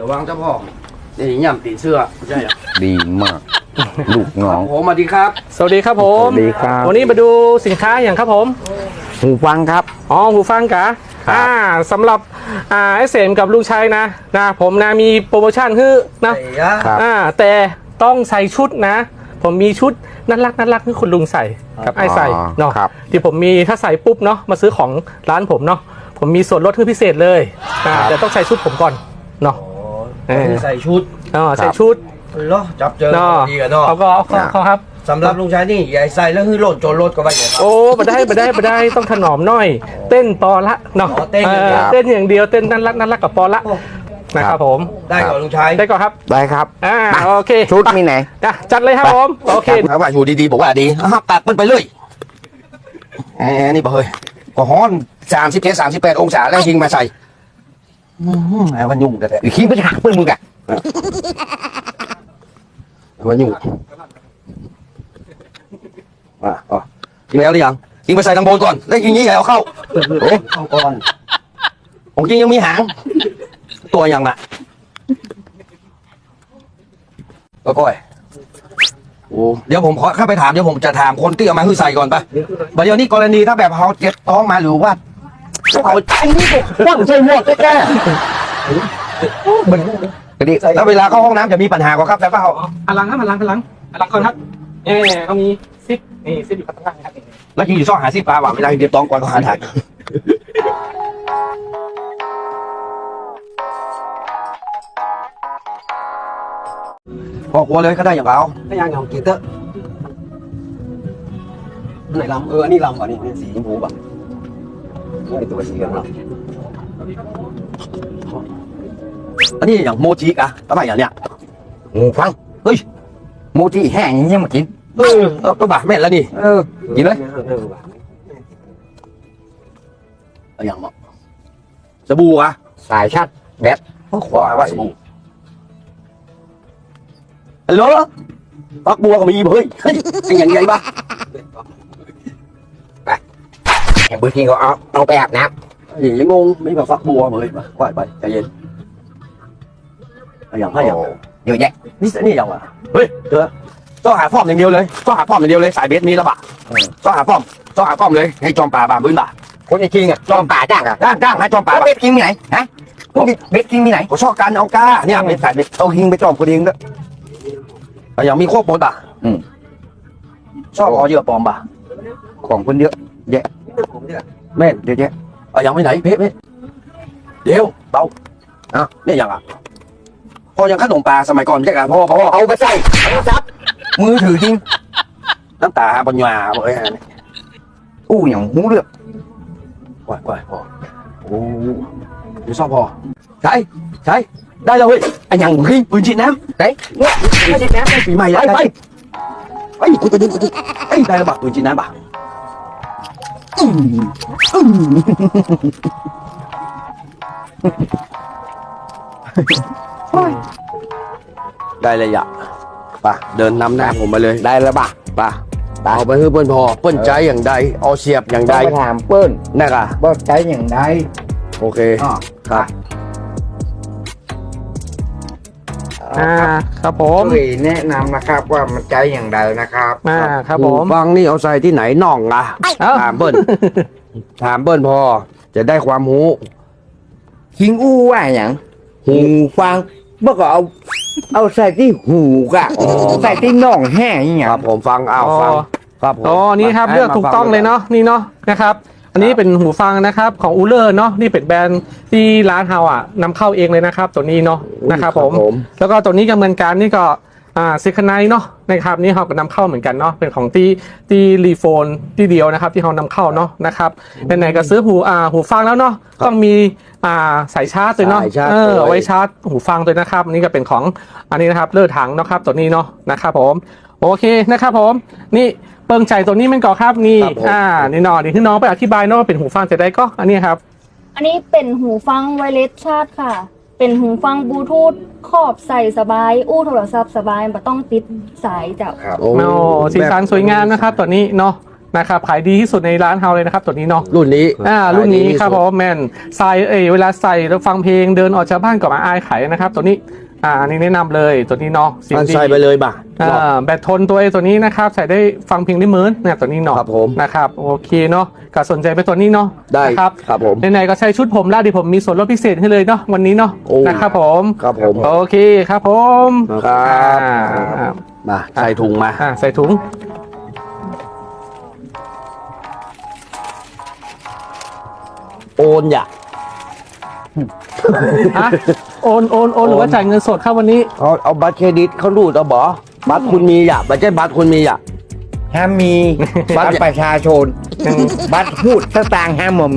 ระวังเจ้าพ่อนี่ย่ำตีเสื้อใช่ไหมดีมากลูกน้องผมสวัสดีครับสวัสดีครับผมสวัสดีครับวันนี้มาดูสินค้าอย่างครับผมหูฟังครับอ๋อหูฟังกะครับสำหรับเสมกับลุงชัยนะผมนะมีโปรโมชั่นคือนะครับแต่ต้องใส่ชุดนะ ผมมีชุดน่ารักให้คุณลุงใส่กับไอ้ใส่เนาะครับที่ผมมีถ้าใส่ปุ๊บเนาะมาซื้อของร้านผมเนาะผมมีส่วนลดพิเศษเลยแต่ต้องใส่ชุดผมก่อนเนาะคือใส่ชุดใส่ชุดเหรอจับเจอเนาะดีกันเนาะเขาครับสำหรับลุงชายนี่ใหญ่ใส่แล้วคือโหล่นโจรรถก็ไปอย่างครับโอ้มาได้ต้องถนอมหน่อย เต้นปอละเนาะอ๋อเต้นอย่างเดียวเต้นอย่างเดียวเต้นน่ารักกับปอละนะครับผมได้ก่อนลุงชายได้ก่อนครับได้ครับโอเคชุดมีไหนจัดเลยครับผมโอเคเขาว่าอยู่ดีๆบอกว่าดีตัดมันไปเลยนี่บอกเฮ้ยก็ฮ้อน37-38 องศาแล้วยิงมาใส่ไอ้วันยุ่งแต่ขี้ไปหักเพื่อนมึงอะวันยุ่งอ๋อยิงแล้วหรือยังยิงไปใส่ทางบนก่อนแล้วยิงนี้ใหญ่เอาเข้าเข้าก่อนของจริงยังมีหางตัวยังน่ะก็ก้อยโอ้เดี๋ยวผมขอเข้าไปถามเดี๋ยวผมจะถามคนที่เอามาคือใส่ก่อนไปเดี๋ยวนี้กรณีถ้าแบบเขาเจ็บท้องมาหรือว่าเขาใจนี่ก็ว่างใจหมดแก่มันแล้วเวลาเข้าห้องน้ำจะมีปัญหากว่าครับแต่ว่าเขาพลังก่อนครับเขามีซิปนี่ซิปอยู่ข้างล่างครับแล้วยิงอยู่ซ่องหาซิปลาว่าเวลาเดียบท้องก่อนเขาหาถ่ายพอกลัวเลยก็ได้อย่างเราถ้ายังของกีเตอร์ไหนลำอันนี้ลำก่อนนี่สีชมพูป่ะไอตัวสีกันเนาะอันนี้อย่างโมจิกะทำไมอย่างเนี้ยหูฟังเฮ้ยโมจิแห้งอย่างเงี้ยมากินก็บาแม่นแล้วนี่ กินเลยอย่างเหมาะสบู่อะสายชัดแบตขวาว่าสบู่ฮัลโหลฟักบัวก็มีเฮ้ยไอ้อย่างไงบ้าแห่งพื้นที่เขาเอาไปอาบน้ยังงงไม่แบบฟักบัวเลยมาไหวไปใจเย็นอย่างำให้อย่างเยอะแยะนี่อย่างอ่ะเฮ้ยเจอต้องหาฟอร์มอย่างเดียวเลยต้องหาฟอร์มอย่างเดียวเลยสายเบสมีแล้วป่ะต้องหาฟอร์มเลยให้จอมป่าบาบื้นบ่าคนจริงๆอ่ะจอมป่าจ้างอ่ะจ้างให้จอมป่าแล้วเบ็ดกินมีไหนฮะพวกเบ็ดกินมีไหนผมชอบการเอาก้าเนี่ยเป็นสายเบสเอาหิงไปจอมคนเองด้วยอย่างมีโคบปนป่ะชอบเอาเยอะปลอมป่ะของคนเยอะแยะแม่เยอะแยะอย่างไม่ไหนเพชรเดี๋ยวเบาเนี่ยอย่างอ่ะพอยังขนมปลาสมัยก่อนใช่กันพ่อเอาไปใส่เอาซับมือถือจริงน้ำตาบนหยาบอกไอ้อู้อย่างหูเลือกไหวพอโอ้เดี๋ยวชอบพอใช่ได้แล้วเฮ้ยไอ้ยังขึ้นปืนฉีดน้ำไหนไม่ใช่น้ำไม่ปีใหม่แล้วไปกูไปดึงได้แล้วป่ะปืนฉีดน้ำป่ะได้เลยอ่ะป่ะเดินนำหน้าผมมาเลยได้แล้วป่ะป่ะเอาไปให้เพื่อนพอเพื่อนใจอย่างใดเอาเสียบอย่างใดไปถามเปิ้ลนั่นอ่ะว่าใช้อย่างไรโอเคอ๋อครับครับผมช่วยแนะนำนะครับว่ามันใช้อย่างไรนะครับครับผมฟังนี่เอาใส่ที่ไหนน่องอ่ะเอ้าถามเบิ้ลถามเบิ้ลพอจะได้ความรู้คิงอู้ว่าอย่างหูฟังเมื่อก่อนเอาใส่ที่หูกะใส่ที่น่องแห้งอย่างเงี้ยครับผมฟังฟังครับผมอ๋อนี่ครับเลือกถูกต้องเลยเนาะนี่เนาะนะครับอันนี้เป็นหูฟังนะครับของอูเลอร์เนาะนี่เป็นแบรนด์ที่ร้านเฮาอ่ะนำเข้าเองเลยนะครับตัวนี้เนาะนะครับผมแล้วก็ตัวนี้กำเนินการนี่ก็ซิคไนเนาะนะครับนี่เขาก็นำเข้าเหมือนกันเนาะเป็นของที่รีโฟนที่เดียวนะครับที่เขานำเข้าเนาะนะครับไหนๆก็ซื้อหูฟังแล้วเนาะต้องมีสายชาร์จเลยเนาะเอาไว้ชาร์จหูฟังเลยนะครับอันนี้ก็เป็นของอันนี้นะครับเลือดถังนะครับตัวนี้เนาะนะครับผมโอเคนะครับผมนี่เปิงใจตัวนี้มันก่อครับนี่นี่นอนนี่คือน้องไปอธิบายเนาะว่าเป็นหูฟังจะได้ก็อันนี้ครับอันนี้เป็นหูฟังไวเลสชาร์จค่ะ เป็นหูฟังบลูทูธครอบใส่สบาย อู้โทรศัพท์สบายไม่ต้องติดสายจากครับโอ้สีสันสวยงามนะครับตัวนี้เนาะนะครับขายดีที่สุดในร้านเฮาเลยนะครับตัวนี้เนาะรุ่นนี้รุ่นนี้ครับผมแมนใส่เวลาใส่แล้วฟังเพลงเดินออกจากบ้านก็มาอายขายนะครับ ตัวนี้อันนี้แนะนำเลยตัวนี้เนาะเสียงมันดีใส่ไปเลยบ่ะแบตทนตัวนี้นะครับใส่ได้ฟังเพลงได้เหมือนเนี่ยตัวนี้เนาะครับผมนะครับโอเคเนาะก็สนใจไปตัวนี้เนาะได้นะครับครับผมไหนๆก็ใช้ชุดผมแล้วดิผมมีส่วนลดพิเศษให้เลยเนาะวันนี้เนาะโอ้นะครับผมครับผมโอเคครับผมครับอ่ามาใส่ถุงมาใส่ถุงโอนอย่าอะโอนหรือว่าจ่ายเงินสดครับวันนี้เอาบัตรเครดิตเขารูดเอาบ่บัตรคุณมีอย่าไม่ใช่บัตรคุณมีอย่าห้ามมีบัตรประชาชน บัตรพูดสตางค์ห้ามหมอหมี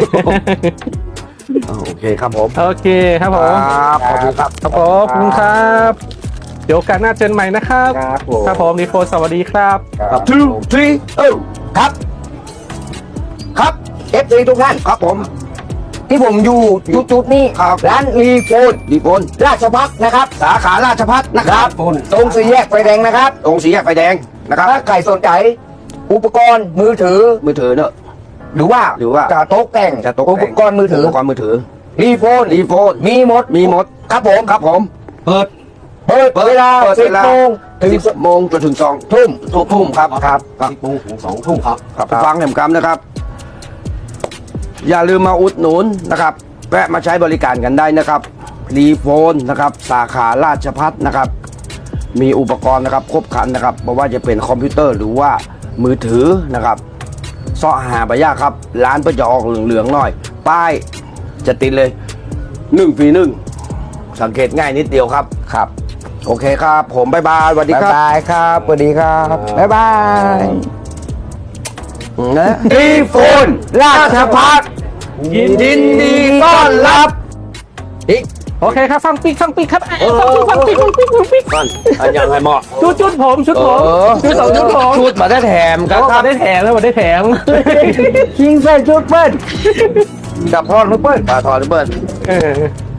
โอเคครับผมโอเคครับผมครับขอบคุณครับครับผมขอบคุณครับ เดี๋ยวโอกาสหน้าเจอกันใหม่นะครับครับผมครับผมดีโฟสวัสดีครับครับ two three ครับ ครับ FC ทุกท่านครับผมที่ผมอยู่จุดๆนี้ครับร้านรีโฟนดีพลราชพัฒนะครับสาขาราชพัฒนะครับตรงสี่แยกไฟแดงนะครับตรงสีแยกไฟแดงนะครับถ้าใครสนใจ อุปกรณ์มือถือมือถือเนอะหรือว่า จะโต๊ะแต่งจะตกอุปกรณ์มือถืออุปกรณ์มือถือรีโฟนรีโฟนมีหมดมีหมดครับผมครับผม เปิดเปิดเวลาเปิดเวลา 10 โมงถึง 10 โมงจนถึง2 ทุ่มทุ่มครับครับ 10 โมงถึง2 ทุ่มครับครับฟังแหมกำนะครับ อย่าลืมมาอุดหนุนนะครับแวะมาใช้บริการกันได้นะครับรีโฟนนะครับสาขาราชพัฒนะครับ มีอุปกรณ์นะครับครบครันนะครับไม่ว่าจะเป็นคอมพิวเตอร์หรือว่ามือถือนะครับเสาะหาไปยากครับ ร้านเพื่อจะออกเหลืองๆหน่อย ป้ายจะติดเลย1 ฟรี 1 สังเกตง่ายนิดเดียวครับครับ โอเคครับ ผมบ๊ายบายสวัสดีบ๊ายครับบายครับสวัสดีครับ บ๊ายบายนะรีโฟนราชพัฒยินดีต้อนรับอีกโอเคครับฟังปีกครับฟังปีกก่อนอันยังไงเหมาะชุดผมชุดผมชุดสองชุดผมชุดมาได้แถมครับมาได้แถมแล้วมาได้แถมคิงใส่ชุดเปิ้ลกับพ่อนุเปิ้ลปลาทอนุเปิ้ลเออ